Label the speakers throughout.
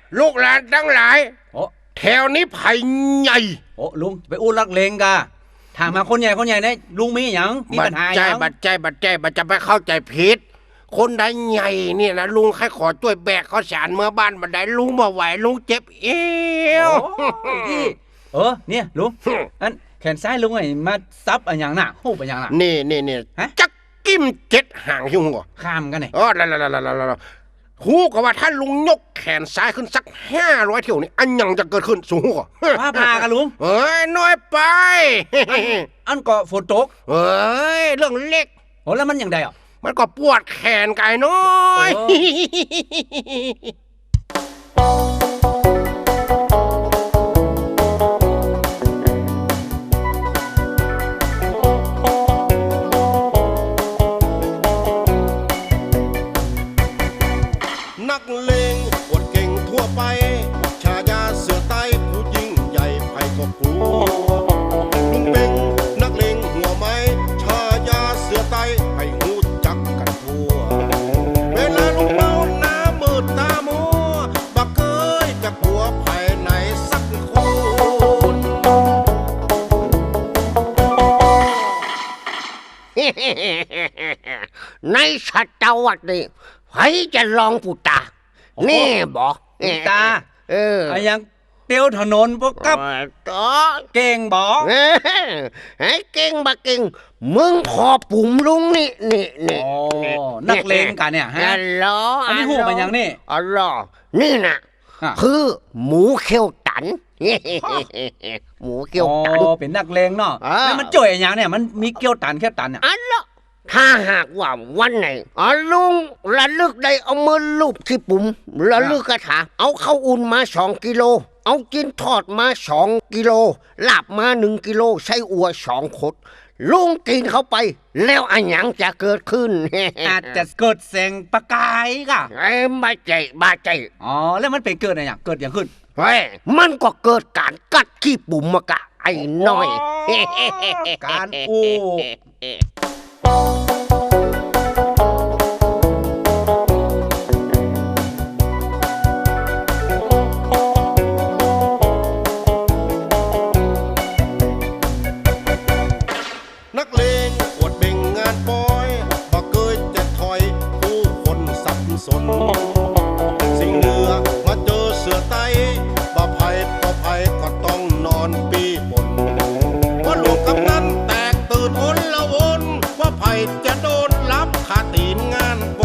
Speaker 1: ลูกหลานทั้งหลาย
Speaker 2: โอ้
Speaker 1: แถวนี้ไผ่ใหญ่
Speaker 2: โอ้ลุงไปอู้ลักเลงกะถามมาคนใหญ่เนี่ยลุงมีอย่างมีปัญหาอย่าง
Speaker 1: บัดใจจะไปเข้าใจผิดคนใดใหญ่เนี่ยนะลุงใครขอช่วยแบกข้าวสารเมื่อบ้านบันไดลุงบ่ไหวลุงเจ็บเอว
Speaker 2: เนี่ยลุงอันแขนซ้ายลุงไอ้มาซับอันอย่างน่ะหูปอันอย่างน่ะ
Speaker 1: นี่จักกิ้ม7 หางยุ่งหัว
Speaker 2: ข้ามกันไหน
Speaker 1: ละหูก็ว่าถ้าลุงยกแขนซ้ายขึ้นสัก500 เที่ยวนี่อันยังจะเกิดขึ้นสูงหัว
Speaker 2: ว่าพากันลุง
Speaker 1: น้อยไป
Speaker 2: อันก็ฝนตก
Speaker 1: เรื่องเล็ก
Speaker 2: โอ้แล้วมันอย่างใดอ่ะ
Speaker 1: มันก็ปวดแขนกายน้อยนักเลงอวดเก่งทั่วไปชายาเสือใต้ผู้ยิ่งใหญ่ไผ่ก็กลัวลุงเป็งนักเลงหัวไม้ชายาเสือใต้ให้หูจักกันทั่วเวลาลุงเมาหน้ามืดตามัวบักเกยจะกลัวภายในสักคนในชัตวัดนี่ใครจะลองปูตานี่บอก
Speaker 2: ตาไอ้ยังเตียวถนนพวกกับเก่งบอก
Speaker 1: ไอ้เก่งบักเก่งมึงพอปุ่มลุงนี่
Speaker 2: นักเลงกันเนี่ยฮะอันนี้หูมันยังนี่
Speaker 1: นี่นะคือหมูเขียวตันหมูเขียวตัน
Speaker 2: เป็นนักเลงเนาะแล้วมันจ่อยอย่างเนี่ยมันมีเขียวตันเนี่ย
Speaker 1: ถ้าหากว่าวันไหนลุงระลึกได้เอามือลูบที่ปุ่มระลึกกระถาเอาข้าวอุ่นมา2 กิโลเอากินทอดมา2 กิโลลาบมา1 กิโลใช้อัว2 ขดลุงกินเข้าไปแล้วอันยังจะเกิดขึ้น
Speaker 2: อาจจะเกิดแสงประกายก่ะ
Speaker 1: บาใจ
Speaker 2: แล้วมันเป็นเกิดอะไรอย่างเกิดอย่างขึ้น
Speaker 1: มันก็เกิดการกัดขี้ปุ่มมากะไอ้น้อย
Speaker 2: การอู้
Speaker 1: นักเลงอวดเบ่งงานปอยบ่เคยจะถอยผู้คนสับสนสิ่งเหนือมาเจอเสือไต้บ่ภัยก็ต้องนอนปีบนว่าลูกกำนันแตกตื่นอนละวนว่าภัยจะโดนรับขาตีนงานป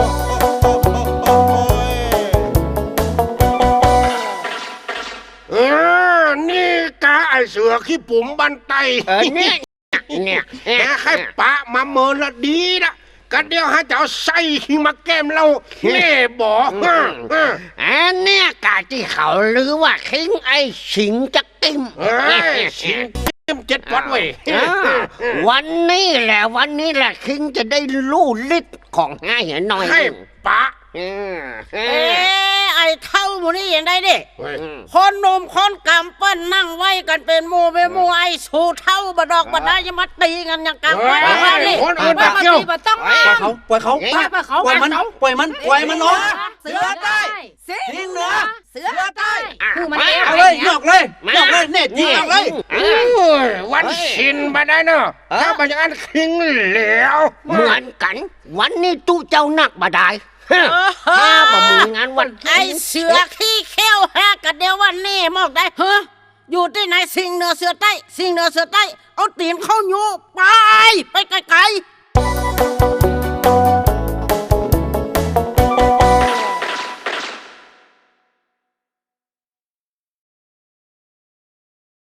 Speaker 1: นี่กะไอเสือขี้ปุ๋มบันไตเนี่ยให้ปะมาเมินละดีละกันเดียวให้เจ้าใส่ขี้มาแก้มเราแน่บอกเนี่ยกะที่เขาหรือว่าคิงไอสิงจะติ้มสิงติ้ม7 วัดเว้ยวันนี้แหละคิงจะได้รู้ฤทธิ์ของง่ายหน่อยให้ปะ
Speaker 3: ไอ้เท่าหมูนี่ยังได้ดิคนหนุ่มคนกำปั้นนั่งไว้กันเป็นหมู่ไอ้สู่เท่าบดอกบดได้ยังมาตีกันอย่างกำปั้นนี่
Speaker 1: คนอื่นมาตี
Speaker 3: มาต้อง
Speaker 2: ปล่อยเขาปล่อยมันเนาะ
Speaker 3: เสือใต้
Speaker 2: สิงเหนือ
Speaker 3: เสือใต้
Speaker 2: เอาเลยนอกเลยเน็ตยิงออกเลย
Speaker 1: วันชินมาได้เนาะถ้าเป็นอย่างนั้นคิงแล้วเหมือนกันวันนี้ตู้เจ้านักบาได้ถ้าบ่มีงานวัน
Speaker 3: ไอเสือขี้เขี้ยวกันเดียววันนี้มอกได้อยู่ที่ไหนสิงเหนือเสือใต้เอาตีนเข้าอยู่ไปไกลๆ